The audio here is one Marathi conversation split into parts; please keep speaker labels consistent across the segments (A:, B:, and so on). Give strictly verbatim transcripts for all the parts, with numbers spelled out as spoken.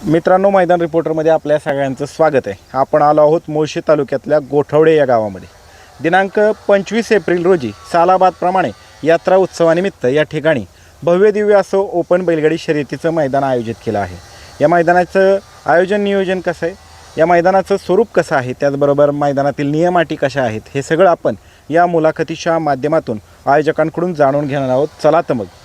A: मित्रांनो, मैदान रिपोर्टरमध्ये आपल्या सगळ्यांचं स्वागत आहे. आपण आलो आहोत मुळशी तालुक्यातल्या गोठवडे या गावामध्ये. दिनांक पंचवीस एप्रिल रोजी सालाबादप्रमाणे यात्रा उत्सवानिमित्त या ठिकाणी भव्य दिव्य असं ओपन बैलगाडी शर्यतीचं मैदान आयोजित केलं आहे. या मैदानाचं आयोजन नियोजन कसं आहे, या मैदानाचं स्वरूप कसं आहे, त्याचबरोबर मैदानातील नियम अटी कशा आहेत, हे सगळं आपण या मुलाखतीच्या माध्यमातून आयोजकांकडून जाणून घेणार आहोत. चला तर मग.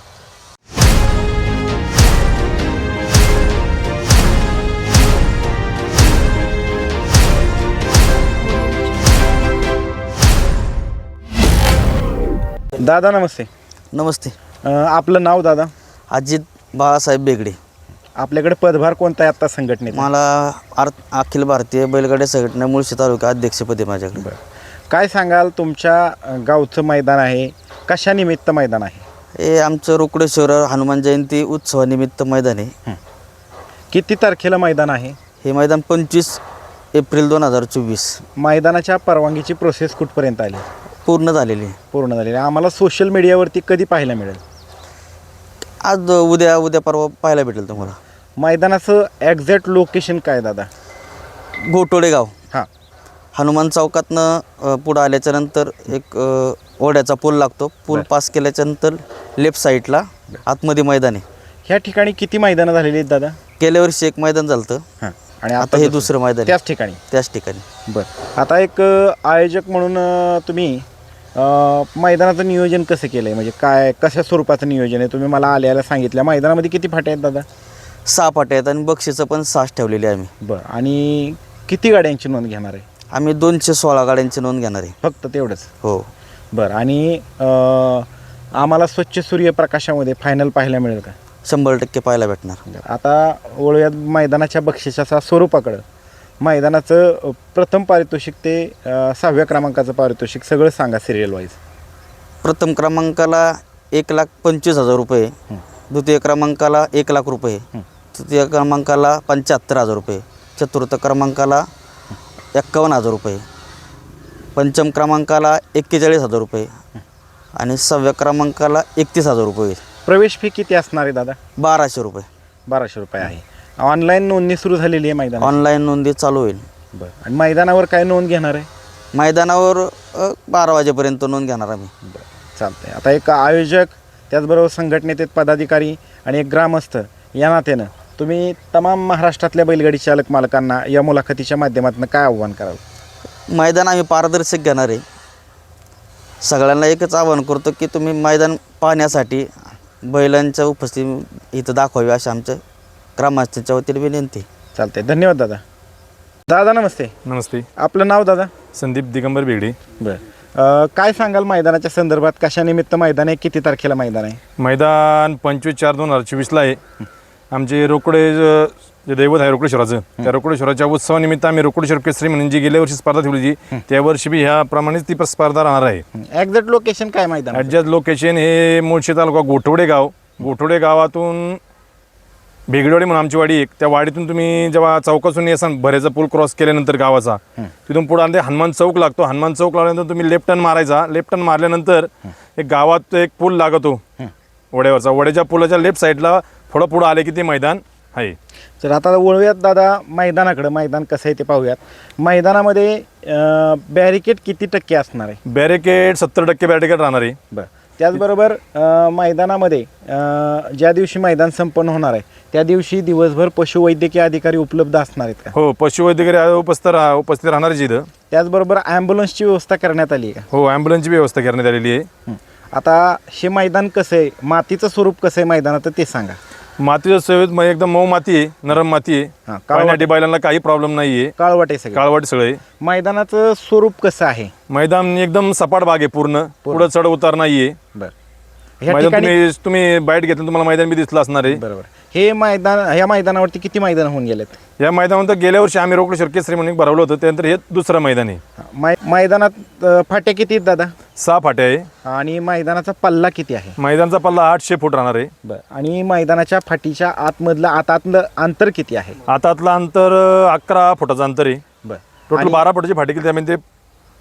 A: दादा नमस्ते.
B: नमस्ते.
A: अ, आपलं नाव दादा?
B: अजित बाळासाहेब बेगडे.
A: आपल्याकडे पदभार कोणता आहे आत्ता संघटनेत?
B: मला आर अखिल भारतीय बैलगाडी संघटना मुळशी तालुका अध्यक्षपदी माझ्याकडे.
A: बरं, काय सांगाल? तुमच्या अ, गावचं मैदान आहे, कशानिमित्त मैदान आहे?
B: हे आमचं रोकडेश्वर हनुमान जयंती उत्सवानिमित्त मैदान आहे.
A: किती तारखेला मैदान आहे?
B: हे मैदान पंचवीस एप्रिल दोन हजार चोवीस.
A: मैदानाच्या परवानगीची प्रोसेस कुठपर्यंत आली?
B: पूर्ण झालेली आहे.
A: पूर्ण झालेली आहे. आम्हाला सोशल मीडियावरती कधी पाहायला मिळेल?
B: आज उद्या उद्या परवा पाहायला भेटेल तुम्हाला.
A: मैदानाचं एक्झॅक्ट लोकेशन काय दादा?
B: गोटोडे गाव.
A: हां,
B: हनुमान चौकातनं पुढं आल्याच्या नंतर एक अ, ओढ्याचा पूल लागतो. पूल पास केल्याच्या नंतर लेफ्ट साईडला आतमध्ये मैदान आहे.
A: ह्या ठिकाणी किती मैदानं झालेली आहेत दादा?
B: गेल्या वर्षी एक मैदान झालं होतं.
A: हां, आणि
B: आता हे दुसरं मैदान आहे.
A: त्याच ठिकाणी?
B: त्याच ठिकाणी.
A: बरं, आता एक अ, आयोजक म्हणून अ, तुम्ही अ, मैदानाचं नियोजन कसं केलं आहे? म्हणजे काय, कशा स्वरूपाचं नियोजन आहे? तुम्ही मला आल्याला सांगितलं. मैदानामध्ये किती फाटे आहेत दादा?
B: सहा फाटे आहेत आणि बक्षीसं पण सहाच ठेवलेली आहे आम्ही.
A: बरं, आणि किती गाड्यांची नोंद घेणार आहे?
B: आम्ही दोनशे सोळा गाड्यांची नोंद घेणार आहे.
A: फक्त तेवढंच?
B: हो.
A: बरं, आणि अ, आम्हाला स्वच्छ सूर्यप्रकाशामध्ये फायनल पाहायला मिळेल का?
B: शंभर टक्के पाहायला भेटणार.
A: आता वळूयात मैदानाच्या बक्षिसाच्या स्वरूपाकडं. मैदानाचं प्रथम पारितोषिक ते अ, सहाव्या क्रमांकाचं पारितोषिक सगळं सांगा सिरियल वाईज.
B: प्रथम क्रमांकाला एक लाख पंचवीस हजार रुपये, द्वितीय क्रमांकाला एक लाख रुपये, तृतीय क्रमांकाला पंच्याहत्तर हजार रुपये, चतुर्थ क्रमांकाला एक्कावन्न हजार रुपये, पंचम क्रमांकाला एक्केचाळीस हजार रुपये आणि सहाव्या क्रमांकाला एकतीस हजार रुपये.
A: प्रवेश फी किती असणार आहे दादा?
B: बाराशे रुपये.
A: बाराशे रुपये आहे. ऑनलाईन नोंदणी सुरू झालेली आहे मैदान?
B: ऑनलाईन नोंदी चालू होईल.
A: बरं, आणि मैदानावर काय नोंद घेणार आहे?
B: मैदानावर अ, बारा वाजेपर्यंत नोंद घेणार आम्ही.
A: बरं, चालतं आहे. आता एक आयोजक, त्याचबरोबर संघटनेचे पदाधिकारी आणि एक ग्रामस्थ या नात्यानं तुम्ही तमाम महाराष्ट्रातल्या बैलगाडी चालक मालकांना या मुलाखतीच्या माध्यमातून काय आव्हान कराल?
B: मैदान आम्ही पारदर्शक घेणार आहे. सगळ्यांना एकच आवाहन करतो की तुम्ही मैदान पाहण्यासाठी बैलांच्या उपस्थिती इथं दाखवावी अशी आमच्या ग्रामस्थांच्या वतीने विनंती.
A: चालतंय, धन्यवाद दादा. दादा नमस्ते.
C: नमस्ते.
A: आपलं नाव दादा?
C: संदीप दिगंबर बेगडे.
A: बरं, अ, काय सांगाल मैदानाच्या संदर्भात? कशानिमित्त मैदान आहे, किती तारखेला मैदान आहे?
C: मैदान पंचवीस चार दोन हजार चोवीसला आहे. आमचे रोकडे ज- जे दैवत आहे रोकडेश्वराचं, त्या रोकडेश्वराच्या उत्सवानिमित्त आम्ही रोकडेश्वर केसरी म्हणून जी गेल्या वर्षी स्पर्धा ठेवली जी, त्या वर्षी बी ह्याप्रमाणेच ती स्पर्धा राहणार आहे.
A: एक्झॅक्ट लोकेशन काय मैदान?
C: ॲडजस्ट लोकेशन हे मुळशी तालुका गोठवडे गाव. गोठवडे गावातून बेगडेवाडी म्हणून आमची वाडी एक, त्या वाडीतून तुम्ही जेव्हा चौकातून येसान भरेचा पूल क्रॉस केल्यानंतर गावाचा, तिथून पुढे आले हनुमान चौक लागतो. हनुमान चौक लागल्यानंतर तुम्ही लेफ्ट टर्न मारायचा. लेफ्ट टर्न मारल्यानंतर एक गावात एक पूल लागतो वड्यावरचा. वड्याच्या पुलाच्या लेफ्ट साईडला थोडं पुढं आले की ते मैदान आहे.
A: तर आता वळूयात दादा मैदानाकडं. मैदान कसं आहे ते पाहूयात. मैदानामध्ये बॅरिकेड किती टक्के असणार आहे?
C: बॅरिकेड सत्तर टक्के बॅरिकेड राहणार आहे.
A: बरं, त्याचबरोबर अ, मैदानामध्ये अ, ज्या दिवशी मैदान संपन्न होणार आहे त्या दिवशी दिवसभर पशुवैद्यकीय अधिकारी उपलब्ध असणार आहेत का?
C: हो, पशुवैद्यकीय उपस्थित राहा उपस्थित राहणार आहे इथं.
A: त्याचबरोबर ॲम्ब्युलन्सची व्यवस्था करण्यात आली आहे का?
C: हो, ॲम्ब्युलन्सची व्यवस्था करण्यात आलेली आहे.
A: आता हे मैदान कसं आहे, मातीचं स्वरूप कसं आहे मैदानात ते सांगा.
C: मातीच्या सेवेत मग एकदम मऊ माती आहे, नरम माती आहे.
A: हां,
C: पाण्यासाठी बैलांना काही प्रॉब्लेम नाही आहे.
A: काळवट आहे सगळं.
C: काळवट सगळं आहे.
A: मैदानाचं स्वरूप कसं आहे?
C: मैदान एकदम सपाट भाग आहे, पूर्ण पुढं चढ उतार नाही आहे.
A: बरं, ह्या
C: मैदान
A: ठिकाणी
C: तुम्ही तुम्ही बाईट घेतलं तुम्हाला मैदान बी दिसलं असणार आहे.
A: बरोबर. हे मैदान, ह्या मैदानावरती किती मैदान होऊन गेलेत?
C: या मैदानात गेल्या वर्षी आम्ही रोकडेश्वर केसरी म्हणून भरवलं होतं, त्यानंतर हे दुसरं मैदान आहे.
A: मै मैदानात अ, फाट्या किती आहेत दादा?
C: सहा फाटे आहे.
A: आणि मैदानाचा पल्ला किती आहे?
C: मैदानचा पल्ला आठशे फूट राहणार आहे.
A: बरं, आणि मैदानाच्या फाटीच्या आतमधलं आत आतलं अंतर किती आहे?
C: आतातलं अंतर अं, अकरा फुटाचं अंतर आहे.
A: बरं,
C: टोटल
A: आणि
C: बारा फुटाची फाटी केली त्यामध्ये. ते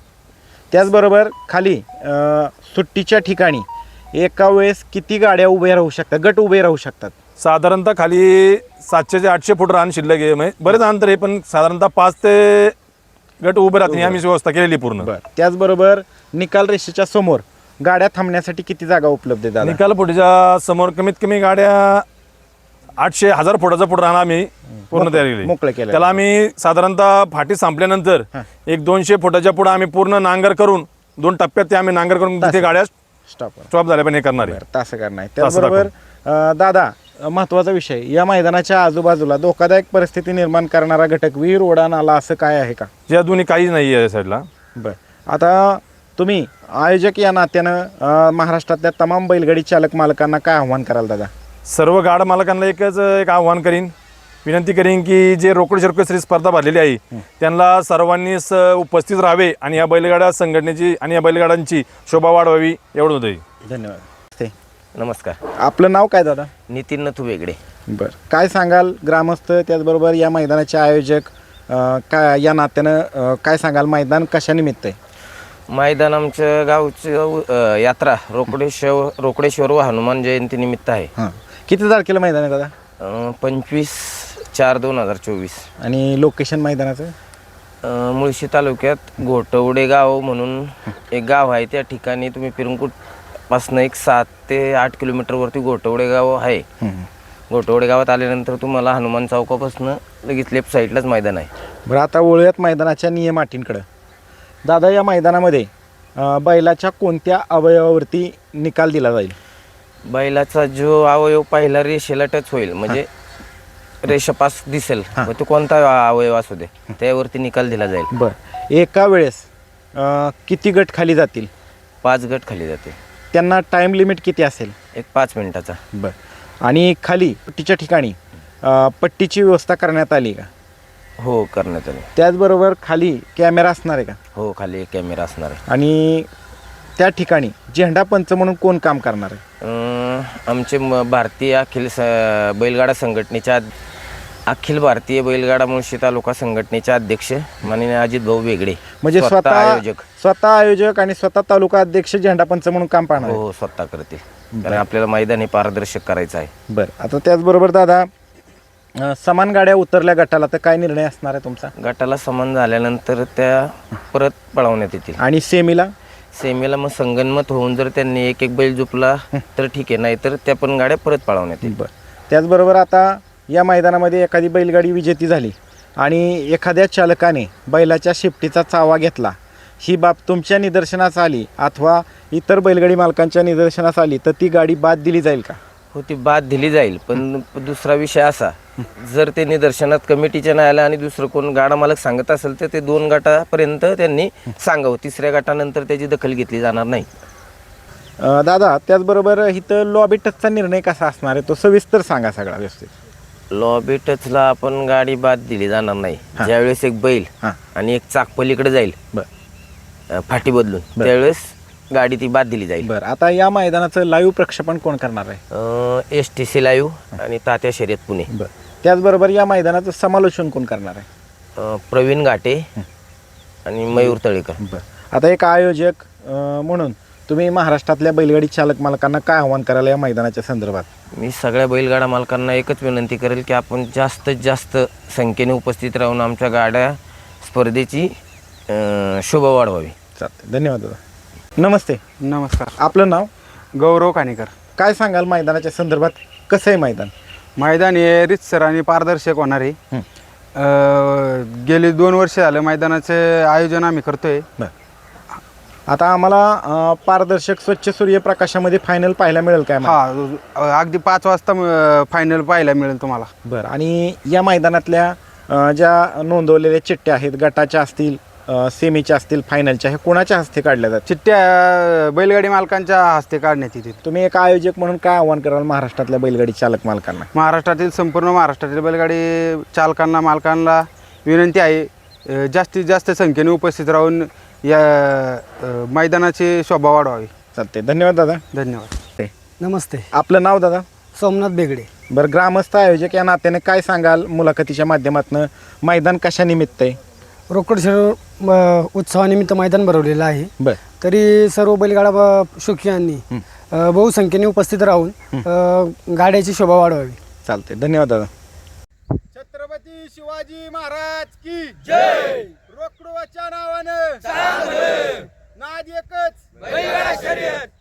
A: त्याचबरोबर खाली अ, सुट्टीच्या ठिकाणी एका वेळेस किती गाड्या उभ्या राहू शकतात, गट उभे राहू शकतात?
C: साधारणतः खाली सातशे ते आठशे फूट रान शिल्लक आहे म्हणजे बरेच अंतर आहे, पण साधारणतः पाच ते गट उभे राहतील आम्ही व्यवस्था केलेली पूर्ण.
A: बर त्याचबरोबर निकाल रेषेच्या समोर गाड्या थांबण्यासाठी किती जागा उपलब्ध आहे दादा?
C: निकाल फुटीच्या समोर कमीत कमी गाड्या आठशे हजार फुटाचा फूट राहणार आम्ही पूर्ण तयार केली.
A: मोकळं केलं.
C: त्याला आम्ही साधारणतः फाटी संपल्यानंतर एक दोनशे फुटाच्या पुढे आम्ही पूर्ण नांगर करून दोन टप्प्यात ते आम्ही नांगर करून तिथे गाड्या
A: स्टॉप
C: स्टॉप झाल्या पण हे करणार आहे.
A: तसं करणार आहे. त्याचबरोबर अं, दादा महत्वाचा विषय, या मैदानाच्या आजूबाजूला धोकादायक परिस्थिती निर्माण करणारा घटक विहीर, ओढा, नाला असं काय आहे का?
C: या दोन्ही काहीच नाही आहे या साईडला.
A: बर आता तुम्ही आयोजक या नात्यानं अं, महाराष्ट्रातल्या तमाम बैलगाडी चालक मालकांना काय आव्हान कराल दादा?
C: सर्व गाड मालकांना एकच एक आव्हान करीन, विनंती करीन की जे रोकड शर्कश्री स्पर्धा भरलेली आहे त्यांना सर्वांनी स उपस्थित राहावे आणि या बैलगाड्या संघटनेची आणि या बैलगाड्यांची शोभा वाढवावी एवढं होतं.
A: धन्यवाद. ते
D: नमस्कार.
A: आपलं नाव काय दादा?
D: नितीन नथू वेगळे.
A: बर काय सांगाल ग्रामस्थ त्याचबरोबर या मैदानाचे आयोजक अं, काय या नात्यानं अं, काय सांगाल, मैदान कशानिमित्त आहे?
D: मैदान आमच्या गावचं अ, यात्रा रोकडेश्वर रोकडेश्वर व हनुमान जयंती निमित्त आहे.
A: हां किती तारखेला मैदान आहे दादा?
D: अ, पंचवीस चार दोन हजार चोवीस.
A: आणि लोकेशन मैदानाचं?
D: अ, मुळशी तालुक्यात घोटवडे गाव म्हणून एक गाव आहे, त्या ठिकाणी तुम्ही पिरंकूटपासनं एक सात ते आठ किलोमीटरवरती घोटवडे गाव आहे. घोटवडे गावात आल्यानंतर तुम्हाला हनुमान चौकापासून लगेच लेफ्ट साईडलाच मैदान आहे.
A: बरं आता वळूयात मैदानाच्या नियम अटींकडं. दादा या मैदानामध्ये अं, बैलाच्या कोणत्या अवयवावरती निकाल दिला जाईल?
D: बैलाचा जो अवयव पहिला रेषेला टच होईल म्हणजे रेषापास दिसेल, मग तो कोणता अवयव असू दे त्यावरती निकाल दिला जाईल.
A: बरं एका वेळेस अं, किती गट खाली जातील?
D: पाच गट खाली जाते.
A: त्यांना टाईम लिमिट किती असेल?
D: एक पाच मिनिटाचा.
A: बरं आणि खाली पट्टीच्या ठिकाणी अं, पट्टीची व्यवस्था करण्यात आली का?
D: हो करण्यात आली.
A: त्याचबरोबर खाली कॅमेरा असणार आहे का?
D: हो खाली एक कॅमेरा असणार आहे.
A: आणि त्या ठिकाणी झेंडा पंच म्हणून कोण काम करणार आहे?
D: अं, आमचे म- भारतीय अखिल स बैलगाडा संघटनेच्या अध- अखिल भारतीय बैलगाडा मुळशी तालुका संघटनेचे अध्यक्ष माननीय अजित भाऊ वेगळे
A: म्हणजे स्वतः
D: आयोजक.
A: स्वतः आयोजक आणि स्वतः तालुका अध्यक्ष झेंडा पंच म्हणून काम पाहणार
D: हो
A: आहे.
D: हो स्वतः करतील, कारण आपल्याला मैदान हे पारदर्शक करायचं आहे.
A: बरं आता त्याचबरोबर दादा अं, समान गाड्या उतरल्या गटाला तर काय निर्णय असणार आहे तुमचा?
D: गटाला समान झाल्यानंतर त्या परत पळवण्यात येतील.
A: आणि सेमीला?
D: सेमीला मग संगनमत होऊन जर त्यांनी एक एक बैल झुपला तर ठीक आहे, नाही तर त्या पण गाड्या परत पळवण्यात येतील.
A: बरं त्याचबरोबर आता या मैदानामध्ये एखादी बैलगाडी विजेती झाली आणि एखाद्या चालकाने बैलाच्या शेपटीचा चावा घेतला, ही बाब तुमच्या निदर्शनास आली अथवा इतर बैलगाडी मालकांच्या निदर्शनास आली तर ती गाडी बाद दिली जाईल का?
D: हो ती बाद दिली जाईल, पण दुसरा विषय असा, जर ते निदर्शनात कमिटीच्या नाही आलं आणि दुसरं कोण गाडा मालक सांगत असेल तर ते दोन गटापर्यंत त्यांनी सांगावं, तिसऱ्या गटानंतर त्याची दखल घेतली जाणार नाही.
A: अं, दादा त्याचबरोबर इथं लॉबी टचचा निर्णय कसा असणार आहे तो सविस्तर सांगा सगळा व्यवस्थित.
D: लॉबी टचला आपण गाडी बाद दिली जाणार नाही. ज्यावेळेस एक बैल
A: हां
D: आणि एक चाक पलीकडे जाईल
A: बरं
D: अ, फाटी बदलून, त्यावेळेस गाडी ती बाद दिली जाईल.
A: बरं आता या मैदानाचं लाईव्ह प्रक्षेपण कोण करणार आहे?
D: एस टी सी लाईव्ह आणि तात्या शर्यत पुणे.
A: बरं त्याचबरोबर या मैदानाचं समालोचन कोण करणार आहे?
D: अ, प्रवीण घाटे आणि मयूर तळेकर.
A: बरं आता एक आयोजक अं, म्हणून तुम्ही महाराष्ट्रातल्या बैलगाडी चालक मालकांना काय आव्हान कराल या मैदानाच्या संदर्भात?
D: मी सगळ्या बैलगाडा मालकांना एकच विनंती करेल की आपण जास्तीत जास्त संख्येने उपस्थित राहून आमच्या गाड्या स्पर्धेची अ, शोभा वाढवावी.
A: चालते धन्यवाद दादा. नमस्ते.
E: नमस्कार.
A: आपलं नाव?
E: गौरव काणेकर.
A: काय सांगाल मैदानाच्या संदर्भात, कसं आहे मैदान?
E: मैदान हे रितसर आणि पारदर्शक होणार आहे.
A: हं.
E: अ, गेली दोन वर्ष झालं मैदानाचे आयोजन आम्ही करतोय.
A: बरं आता आम्हाला अं, पारदर्शक स्वच्छ सूर्यप्रकाशामध्ये फायनल पाहायला मिळेल काय?
E: हा अगदी पाच वाजता फायनल पाहायला मिळेल तुम्हाला.
A: बरं आणि या मैदानातल्या अं, ज्या नोंदवलेल्या चिठ्ठ्या आहेत गटाच्या असतील अं, सेमीच्या असतील फायनलच्या, हे कोणाच्या हस्ते काढल्या जातात?
E: चिठ्ठ्या बैलगाडी मालकांच्या हस्ते काढण्यात येतील.
A: तुम्ही एक आयोजक म्हणून काय आव्हान कराल महाराष्ट्रातल्या बैलगाडी चालक मालकांना?
E: महाराष्ट्रातील संपूर्ण महाराष्ट्रातील बैलगाडी चालकांना मालकांना विनंती आहे, अ, जास्तीत जास्त संख्येने उपस्थित राहून या अ, मैदानाची शोभा वाढवावी.
A: चालते धन्यवाद दादा.
E: धन्यवाद.
F: नमस्ते.
A: आपलं नाव दादा?
F: सोमनाथ बेगडे.
A: बरं ग्रामस्थ आयोजक या नात्याने काय सांगाल मुलाखतीच्या माध्यमातून, मैदान कशा निमित्त आहे?
F: रोकडशेर उत्सवानिमित्त मैदान भरवलेलं आहे.
A: बरं
F: तरी सर्व बैलगाडा ब- शौकीयांनी अ, बहुसंख्येने उपस्थित राहून अ, गाड्याची शोभा वाढवावी.
A: चालते, धन्यवाद दादा.
E: छत्रपती शिवाजी महाराज की जय. रोकडोच्या नावानं नाद एकच.